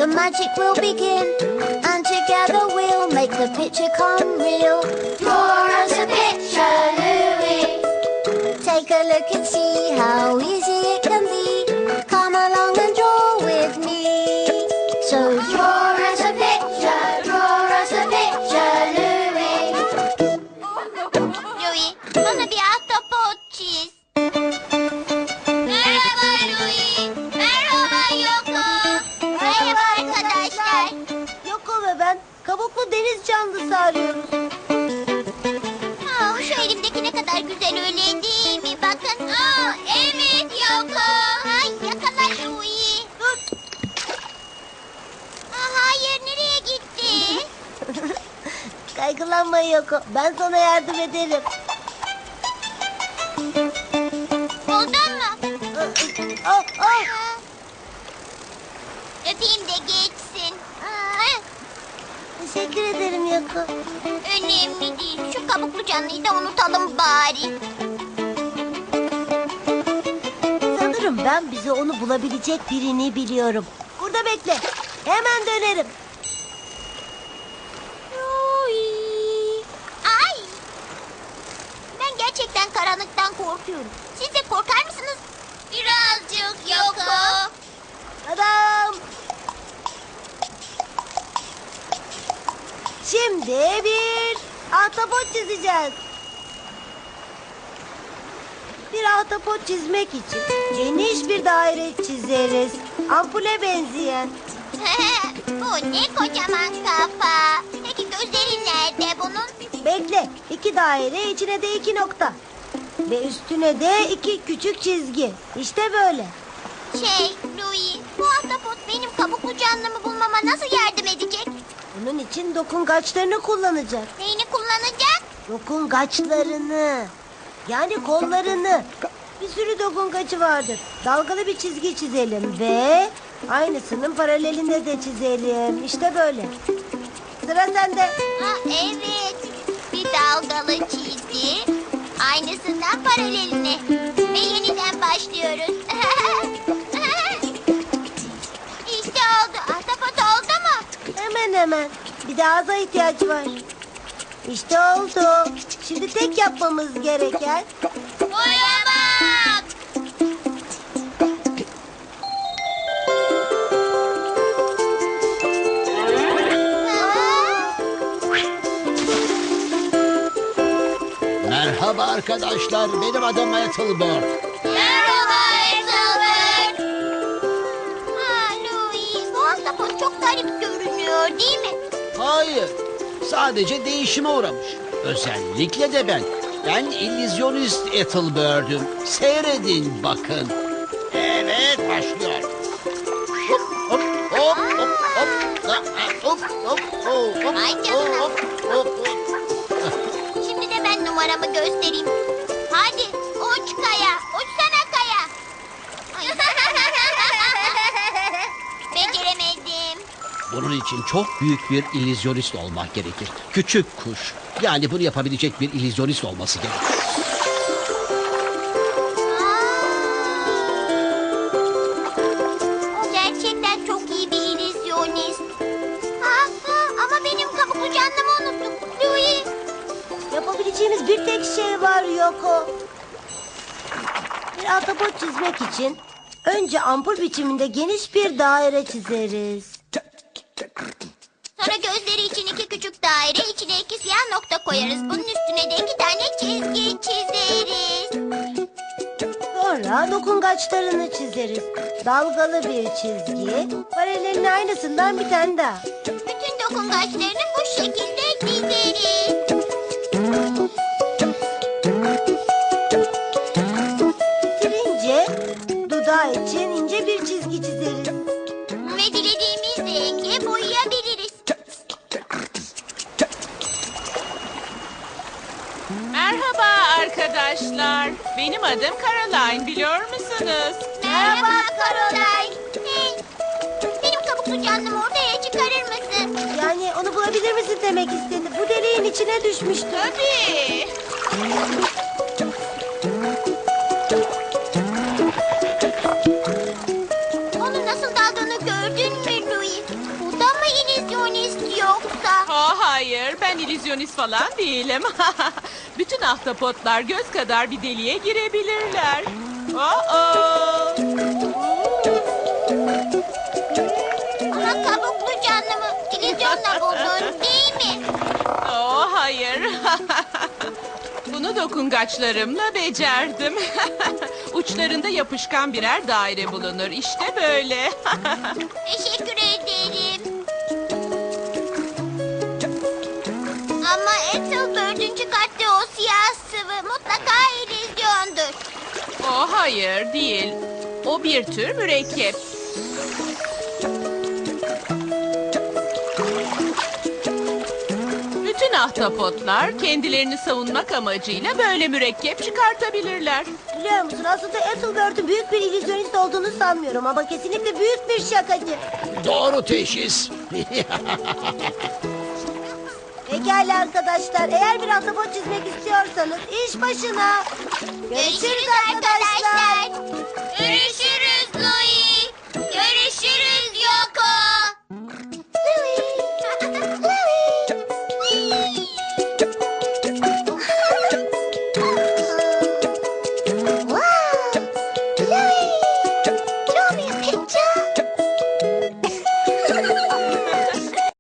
the magic will begin, and together we'll make the picture come real. Draw us a picture, Louie. Take a look and see how easy it can be. Come along and draw with me. So draw us a picture, Louie. Louie, bana bir ahtapot çiz. Merhaba Louie. Merhaba Yoko. Merhaba arkadaşlar. Yoko ve ben kabuklu deniz canlısı arıyoruz. Şu elimdeki ne kadar güzel öyle değil mi? Bakın. Evet Yoko. Ay yakala Louie. Dur. Hayır nereye gitti? Kaygılanma Yoko. Ben sana yardım ederim. Buldun mu? Oh, oh. Öpeyim de geçsin. Teşekkür ederim Yoko. Önemli değil. Şu kabuklu canlıyı da unutalım bari. Sanırım ben bize onu bulabilecek birini biliyorum. Burada bekle. Hemen dönerim. Ay! Ben gerçekten karanlıktan korkuyorum. Siz de korkar mısınız? Birazcık Yoko. Adam. Şimdi bir ahtapot çizeceğiz. Bir ahtapot çizmek için geniş bir daire çizeriz. Ampule benzeyen. Bu ne kocaman kafa. Peki gözleri nerede bunun? Bekle. 2 daire, içine de 2 nokta. Ve üstüne de 2 küçük çizgi. İşte böyle. Louie, bu ahtapot benim kabuklu canlımı bulmama nasıl yardım edecek? Bunun için dokungaçlarını kullanacak. Neyini kullanacak? Dokungaçlarını. Yani kollarını. Bir sürü dokungaçı vardır. Dalgalı bir çizgi çizelim ve aynısının paralelinde de çizelim. İşte böyle. Sıra sende. Evet. Bir dalgalı çizgi. Aynısından paraleline. Ve yeniden başlıyoruz. İşte oldu. Ahtapot oldu mu? Hemen hemen. Bir de ağza ihtiyaç var. İşte oldu. Şimdi tek yapmamız gereken... Boyamak. Merhaba arkadaşlar, benim adım Ethelbert. Merhaba Ethelbert. Louie, bu ahtapot çok garip görünüyor değil mi? Hayır, sadece değişime uğramış. Özellikle de ben. Ben illüzyonist Ethelbert'üm. Seyredin bakın. Evet, başlıyor. Hop, hop, hop, hop, hop, hop, hop, hop, Ay canına. hop, hop, hop. Şimdi de ben numaramı göstereyim. Hadi uç kaya, uçsana kaya. Beceremedim. Bunun için çok büyük bir illüzyonist olmak gerekir. Küçük kuş. Yani bunu yapabilecek bir illüzyonist olması gerekir. O gerçekten çok iyi bir illüzyonist. Ama benim kabuklu canlımı unuttum. Louie. Yapabileceğimiz bir tek şey var Yoko. Bir ahtapot çizmek için önce ampul biçiminde geniş bir daire çizeriz. Sonra gözleri için 2 küçük daire, içine 2 siyah nokta koyarız. Bunun üstüne de 2 tane çizgi çizeriz. Sonra dokungaçlarını çizeriz. Dalgalı bir çizgi, paralelin aynısından bir tane daha. Bütün dokungaçlarını bu şekilde dizeriz. Bitirince dudağı için ince bir çizgi çizeriz. Ve dilediğimiz rengi boyayabiliriz. Merhaba arkadaşlar. Benim adım Caroline, biliyor musunuz? Merhaba Caroline. Hey, benim kabuklu canlımı ortaya çıkarır mısın? Yani onu bulabilir misin demek istedi. Bu deliğin içine düşmüştü. Tabii. Onun nasıl daldığını gördün mü Louie? hayır, ben illüzyonist falan değilim. Bütün ahtapotlar göz kadar bir deliğe girebilirler. Oh. Ama kabuklu canlımı illüzyonla buldun değil mi? Oh, hayır. Bunu dokungaçlarımla becerdim. Uçlarında yapışkan birer daire bulunur. İşte böyle. Teşekkür ederim. Ama Ethelbert'ün çıkarttığı o siyah sıvı mutlaka illüzyondur. Oh, hayır, değil. O bir tür mürekkep. Bütün ahtapotlar kendilerini savunmak amacıyla böyle mürekkep çıkartabilirler. Biliyor musun aslında Ethelbert'ün büyük bir illüzyonist olduğunu sanmıyorum ama kesinlikle büyük bir şakacı. Doğru teşhis. Pekala arkadaşlar eğer bir ahtapot çizmek istiyorsanız iş başına. Görüşürüz arkadaşlar.